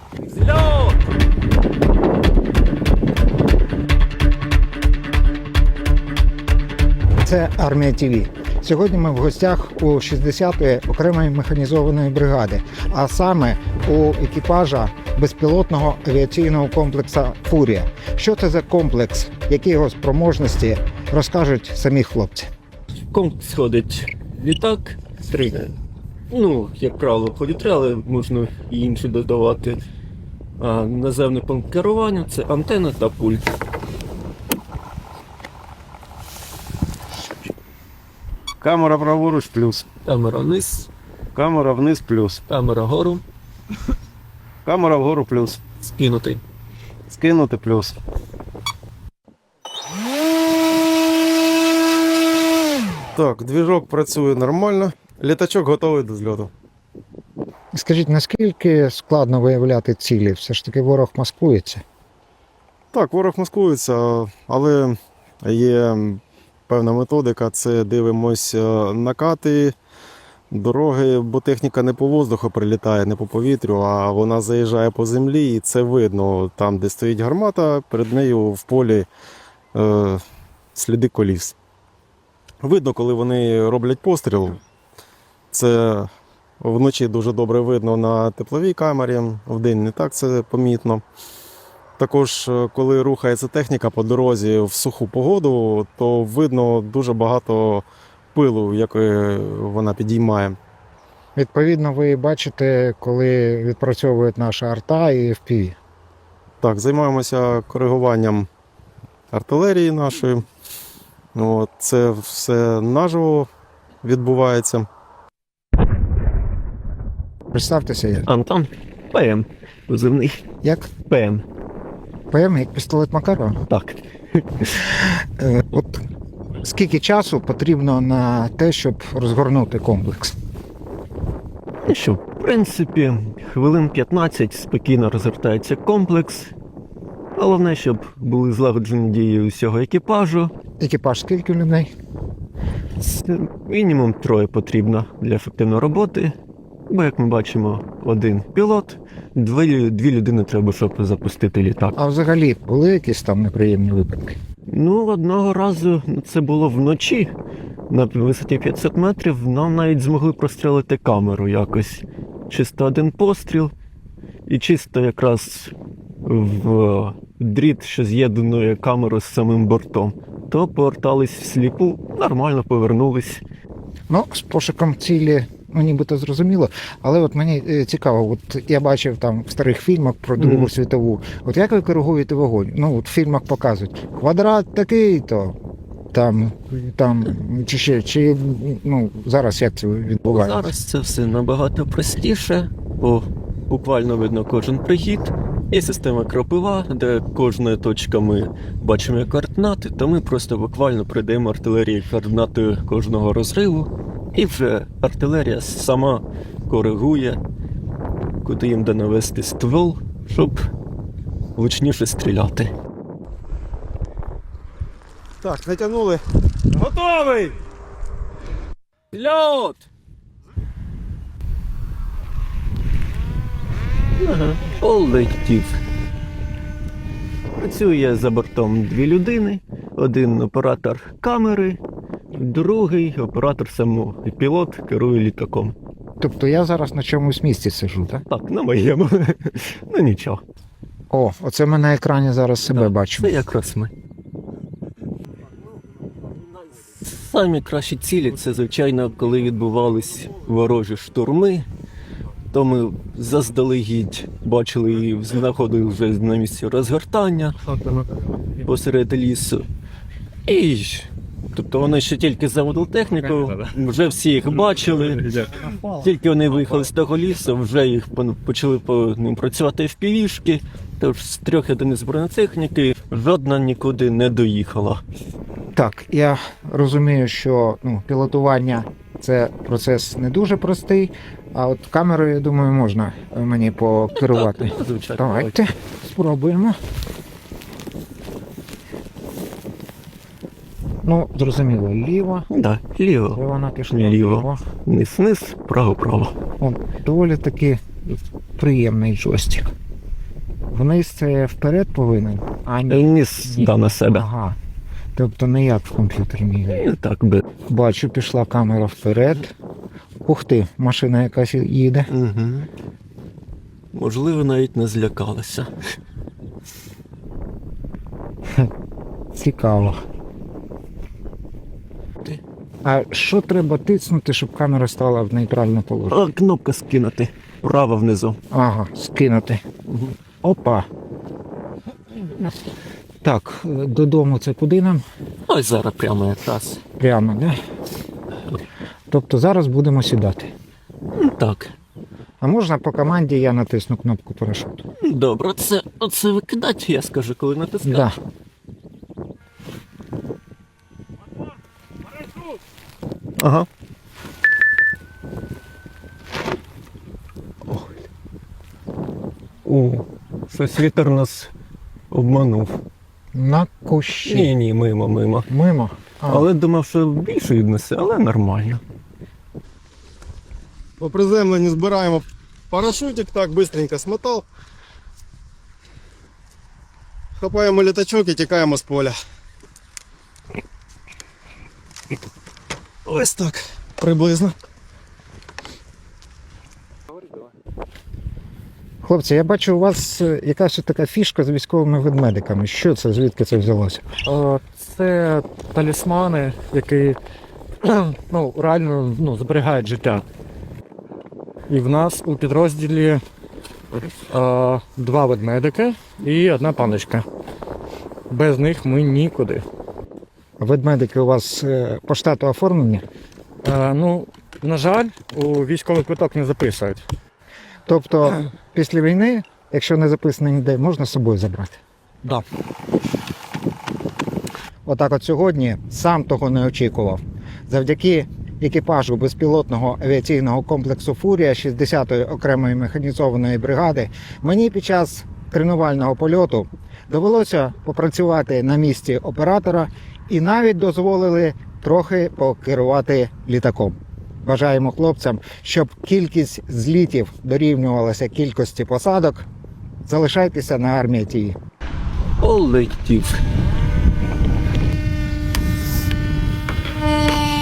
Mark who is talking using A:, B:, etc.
A: Зльот!
B: Це Армія ТВ. Сьогодні ми в гостях у 60-ї окремої механізованої бригади, а саме у екіпажа безпілотного авіаційного комплексу «Фурія». Що це за комплекс, які його спроможності, розкажуть самі хлопці.
A: В комплекс ходить літак, як правило, ходять три, але можна і інші додавати. А наземний пункт керування – це антенна та пульт.
C: Камера праворуч плюс.
A: Камера вниз,
C: Камера вниз плюс.
A: камера вгору,
C: Камера вгору плюс.
A: скинутий.
C: Скинути плюс. Так, движок працює нормально. Літачок готовий до зльоту.
B: Скажіть, наскільки складно виявляти цілі? Все ж таки ворог маскується.
C: Так, ворог маскується, але є певна методика. Це дивимось накати, дороги, бо техніка не по воздуху прилітає, не по повітрю, а вона заїжджає по землі, і це видно. Там, де стоїть гармата, перед нею в полі сліди коліс. Видно, коли вони роблять постріл. Це вночі дуже добре видно на тепловій камері, вдень не так це помітно. Також, коли рухається техніка по дорозі в суху погоду, то видно дуже багато пилу, який вона підіймає.
B: Відповідно, ви бачите, коли відпрацьовують наша арта і FPV.
C: Так, займаємося коригуванням артилерії нашої. Це все наживо відбувається.
B: Представтеся, як.
A: Антон, ПМ, позивний.
B: Як?
A: ПМ.
B: ПМ, як пістолет Макарова.
A: Так.
B: От скільки часу потрібно на те, щоб розгорнути комплекс?
A: Ну що, в принципі, хвилин 15 спокійно розгортається комплекс. Головне, щоб були злагоджені дії усього екіпажу.
B: Екіпаж скільки людей?
A: Це мінімум 3 потрібно для ефективної роботи. Бо, як ми бачимо, 1 пілот, 2 людини треба, щоб запустити літак.
B: А взагалі були якісь там неприємні випадки?
A: Одного разу, це було вночі, на висоті 500 метрів, нам навіть змогли прострілити камеру якось. Чисто 1 постріл, і чисто якраз в дріт, що з'єднує камеру з самим бортом. То повертались всліпу, нормально повернулись.
B: З пошуком цілі, нібито зрозуміло, але от мені цікаво, от я бачив там в старих фільмах про Другу світову, от як ви коригуєте вогонь? В фільмах показують, квадрат такий-то, там, чи зараз як це відбувається?
A: Зараз це все набагато простіше, бо буквально видно кожен прихід. Є система кропива, де кожна точка ми бачимо координати, то ми просто буквально придаємо артилерії координати кожного розриву, і вже артилерія сама коригує, куди їм де навести ствол, щоб влучніше стріляти.
C: Так, натягнули. Готовий!
A: Льот! Полетів. Працює за бортом 2 людини, 1 оператор камери, другий оператор самого. І пілот керує літаком.
B: Тобто я зараз на чомусь місці сиджу, так?
A: Так, на моєму. Нічого.
B: Оце ми на екрані зараз себе бачимо.
A: Це якраз ми. Самі кращі цілі – це, звичайно, коли відбувались ворожі штурми, то ми заздалегідь бачили і знаходили вже на місці розгортання посеред лісу. І, тобто вони ще тільки заводили техніку, вже всі їх бачили, тільки вони виїхали з того лісу, вже їх почали по ним працювати FPV-шки, тож з 3 одиниць бронетехніки жодна нікуди не доїхала.
B: Так, я розумію, що пілотування – це процес не дуже простий, а от камерою, я думаю, можна мені покерувати.
A: Так, звичайно.
B: Давайте спробуємо. Зрозуміло, ліво.
A: Так, ліво.
B: Де вона пішла?
A: Ліво. Низ, право.
B: Доволі таки приємний джойстик. Вниз це вперед повинен, а ні.
A: Ніс дав на себе.
B: Ага. Тобто не як в комп'ютері мігає.
A: І так би.
B: Бачу, пішла камера вперед. Ух ти, машина якась їде.
A: Угу. Можливо, навіть не злякалася.
B: Цікаво.
A: Ти.
B: А що треба тиснути, щоб камера стала в нейтральне положення?
A: А, кнопка скинути. Право внизу.
B: Ага, скинути.
A: Угу.
B: Опа. Так, додому це куди нам?
A: Ось зараз прямо якраз.
B: Прямо, не? Тобто зараз будемо сідати.
A: Так.
B: А можна по команді я натисну кнопку парашуту?
A: Добре, оце викидати, я скажу, коли натискати.
B: Да.
A: Ага. О, щось вітер нас обманув.
B: На кущі.
A: Ні, мимо.
B: Мимо.
A: Але думав, що більше віднесе, але нормально.
C: По приземленню збираємо парашутик, так, быстренько смотав. Хапаємо літачок і тікаємо з поля. Ось так, приблизно.
B: Хлопці, я бачу, у вас якась така фішка з військовими ведмедиками. Що це, звідки це взялося?
D: Це талісмани, які реально зберігають життя. І в нас у підрозділі 2 ведмедики і 1 паночка. Без них ми нікуди.
B: Ведмедики у вас по штату оформлені?
D: На жаль, у військовий квиток не записують.
B: Тобто після війни, якщо не записано ніде, можна з собою забрати?
D: Да.
B: Отак от сьогодні сам того не очікував. Завдяки екіпажу безпілотного авіаційного комплексу «Фурія» 60-ї окремої механізованої бригади мені під час тренувального польоту довелося попрацювати на місці оператора і навіть дозволили трохи покерувати літаком. Бажаємо хлопцям, щоб кількість злітів дорівнювалася кількості посадок. Залишайтеся на армії ТІВІ.
A: Полетів.